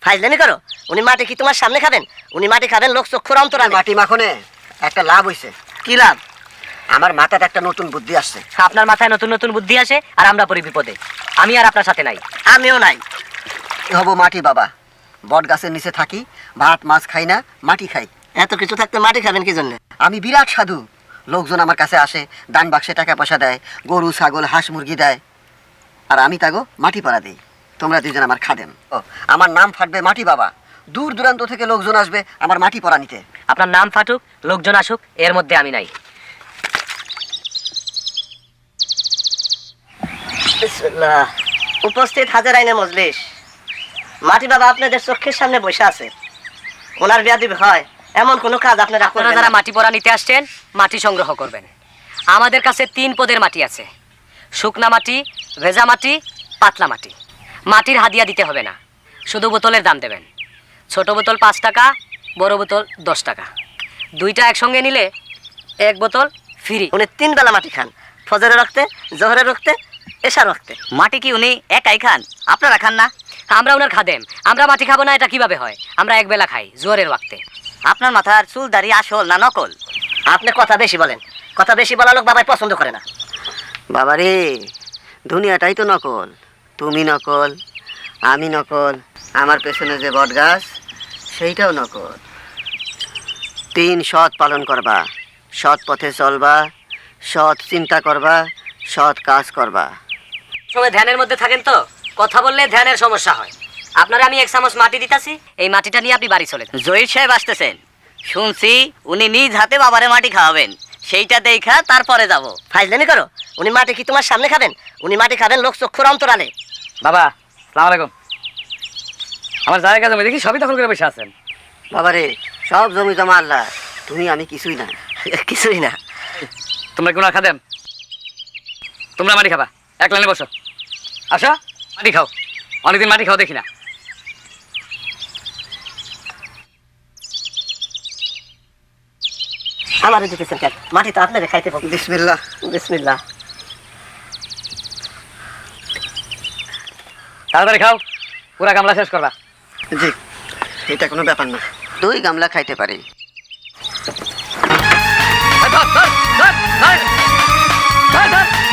ফাইজলামি করো। উনি মাটি কি তোমার সামনে খাবেন? উনি মাটি খাবেন লোক চক্ষুর অন্তরালে। মাটি মাখনে একটা লাভ হইছে। কি লাভ? আমার মাথায় একটা নতুন বুদ্ধি আসছে। আপনার মাথায় নতুন নতুন বুদ্ধি আসে আর আমরা পড়ি বিপদে। আমি আর আপনার সাথে নাই। আমিও নাই। হব মাটি বাবা, বট গাছের নিচে থাকি, ভাত মাছ খাই না, মাটি খাই। এত কিছু থাকতে মাটি খাবেন কি জন্য? আমি বিরাট সাধু। লোকজন আমার কাছে আসে, দান বাক্সে টাকা পয়সা দেয়, গরু ছাগল হাঁস মুরগি দেয়, আর আমি তাগো মাটি পাড়া দিই। তোমরা দুজন আমার খাদেম। ও, আমার নাম ফাটবে মাটি বাবা। দূর দূরান্ত থেকে লোকজন আসবে আমার মাটি পড়া নিতে। আপনার নাম ফাটুক, লোকজন আসুক, এর মধ্যে আমি নাই। বিসমিল্লাহ। উপস্থিত হাজার আইনে মজলিস। মাটি বাবা আপনাদের চোখের সামনে বসে আছে। ওনার বিয়াদি হয় এমন কোনো কাজ আপনারা আপনারা করবেন যারা না। মাটি পড়া নিতে আসছেন, মাটি সংগ্রহ করবেন। আমাদের কাছে 3 পদের মাটি আছে: শুকনা মাটি, ভেজা মাটি, পাতলা মাটি। মাটির হাদিয়া দিতে হবে না, শুধু বোতলের দাম দেবেন। ছোট বোতল 5 টাকা, বড় বোতল 10 টাকা। 2টা একসঙ্গে নিলে 1 বোতল ফ্রি। উনি 3 বেলা মাটি খান, ফজরে রক্তে, জোহরে রক্তে, এশা রক্তে। মাটি কি উনি একাই খান? আপনারা খান না? আমরা ওনার খাদেম। আমরা মাটি খাবো না এটা কিভাবে হয়? আমরা এক বেলা খাই, জোহরের ওয়াক্তে। আপনার মাথার চুল দাড়ি আসল না নকল? আপনি কথা বেশি বলেন। কথা বেশি বলা লোক বাবাই পছন্দ করে না। বাবারে, দুনিয়াটাই তো নকল। তুমি নকল, আমি নকল, আমার পেছনে যে বট গাছ সেইটাও নকল। 3 সৎ পালন করবা, সৎ পথে চলবা, সৎ চিন্তা করবা, সৎ কাজ করবা। সময় ধ্যানের মধ্যে থাকেন তো, কথা বললে ধ্যানের সমস্যা হয়। আপনারা আমি 1 চামচ মাটি দিতাছি, এই মাটিটা নিয়ে আপনি বাড়ি চলে যান। জহির সাহেব আসতেছেন, শুনছি উনি নিজ হাতে বাবারে মাটি খাওয়াবেন। সেইটা দেখা তারপরে যাব। ফাইজলামি করো। উনি মাটি কি তোমার সামনে খাবেন? উনি মাটি খাবেন লোক চক্ষুর অন্তরালে। বাবা সালাম আলাইকুম। আমার জায়গা জমি দেখি সবই দখল করে বসে আছেন। বাবারে, সব জমি জমা আল্লাহ, তুমি আমি কিছুই না। কিছুই না। তোমরা কোন খাদেম? তোমরা মাটি খাবা, এক লাইনে বসো। আসো মাটি খাও। অনেকদিন মাটি খাও দেখি না। আমারও দিতেছেন কেন? মাটি তো আপনাদের খাইতে পাবো। বিসমিল্লাহ। বিসমিল্লাহ। তাড়াতাড়ি খাও, পুরা গামলা শেষ করবা। জি, এটা কোনো ব্যাপার না, 2 গামলা খাইতে পারি। ধর, ধর, ধর, ধর, ধর, ধর।